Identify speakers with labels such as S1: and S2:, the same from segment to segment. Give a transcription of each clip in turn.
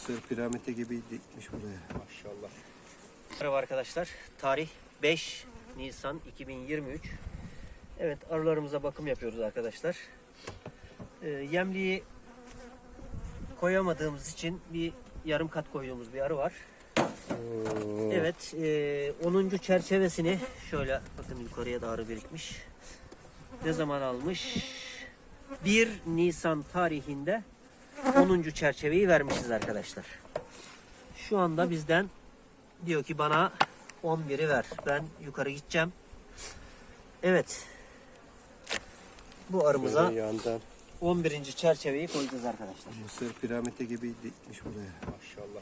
S1: Mısır piramidi gibi dikmiş buraya.
S2: Maşallah.
S3: Merhaba arkadaşlar. Tarih 5 Nisan 2023. Evet, arılarımıza bakım yapıyoruz arkadaşlar. Yemliği koyamadığımız için bir yarım kat koyduğumuz bir arı var. Evet, 10. çerçevesini şöyle bakın, yukarıya da arı birikmiş. Ne zaman almış? 1 Nisan tarihinde 10. çerçeveyi vermişiz arkadaşlar. Şu anda bizden diyor ki bana 11'i ver. Ben yukarı gideceğim. Evet. Bu arımıza
S1: Böyle yandan
S3: 11. çerçeveyi koyacağız arkadaşlar.
S1: Mısır piramidi gibi dikmiş buraya.
S2: Maşallah.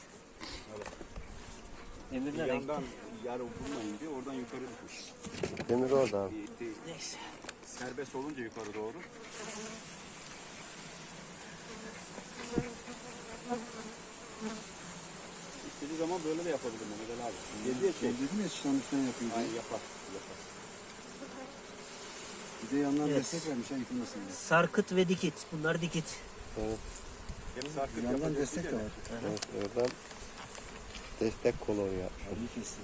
S3: Emir
S2: Bir
S3: nereye
S2: yandan
S3: gitti?
S2: yarı vurmayınca oradan yukarı düşmüş.
S1: Demir orada abi.
S3: Neyse.
S2: Serbest olunca yukarı doğru. İstediği zaman böyle de yapabilir Mehmet abi. Geriye çek.
S4: Dedim ya çıkanmıştan yapıyor diye.
S2: Ay yapar. Yapar.
S4: Bir de yandan
S3: Evet.
S4: destek vermiş ha yıkılmasın diye.
S3: Sarkıt ve dikit. Bunlar dikit.
S1: Evet,
S2: Hep sarkıt
S4: Yandan
S2: yapacak
S4: destek de
S2: bir
S4: var.
S1: evet, oradan destek kolonu yapmış.
S4: Abi kesti.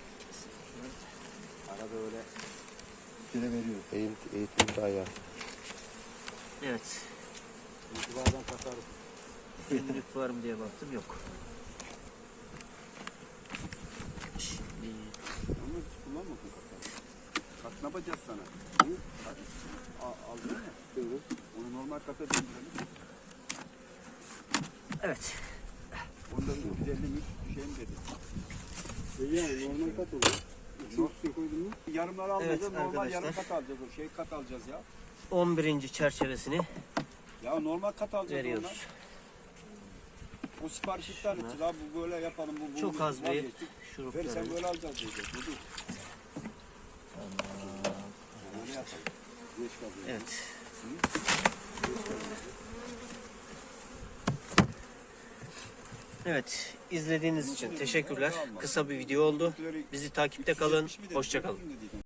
S2: Arada öyle
S4: Süre veriyor.
S1: Eğitim ayağı.
S3: Evet.
S2: itibardan tasarruf.
S3: Günlük var mı diye baktım, yok. Şimdi
S2: Ama hiç kullanmasın kasayı. Bak ne yapacağız sana? Hı? Hadi. Aldın mı? Evet. Onu normal kasa döndürelim.
S3: evet.
S2: Onda 150 şey mi dedi?
S4: Yani normal kat oluyor. İçin koydun mu?
S2: Yarımları almayacağız,
S3: Evet,
S2: normal
S3: arkadaşlar.
S2: yarım kat alacağız. O şey kat alacağız ya.
S3: 11. çerçevesini
S2: Ya normal kat alacağız
S3: veriyoruz.
S2: ondan. O sipariş iptal edeceğiz abi, bu böyle yapalım. Bu
S3: Çok az bir
S2: vazgeçtik.
S3: şurup
S2: Ver sen
S3: verelim.
S2: böyle alacağız diyeceğiz. Bu değil. Öyle yapalım. Geç kalıyor.
S3: Evet. Evet, izlediğiniz için teşekkürler. Kısa bir video oldu. Bizi takipte kalın. Hoşça kalın.